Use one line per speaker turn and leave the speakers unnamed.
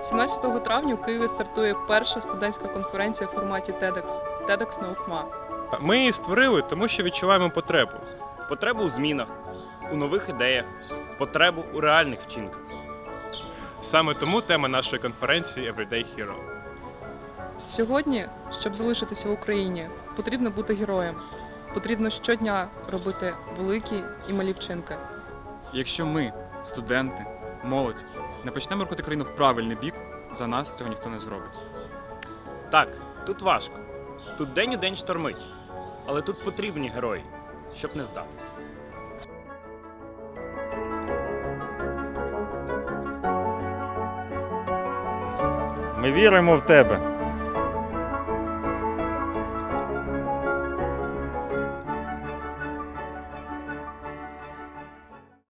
17 травня у Києві стартує перша студентська конференція в форматі TEDx Наухма.
Ми її створили, тому що відчуваємо потребу.
Потребу у змінах, у нових ідеях, потребу у реальних вчинках.
Саме тому тема нашої конференції Everyday Hero.
Сьогодні, щоб залишитися в Україні, потрібно бути героєм. Потрібно щодня робити великі і малі вчинки.
Якщо ми, студенти, молодь, не почнемо рухати країну в правильний бік, за нас цього ніхто не зробить.
Так, тут важко. Тут день у день штормить. Але тут потрібні герої, щоб не здатись.
Ми віримо в тебе.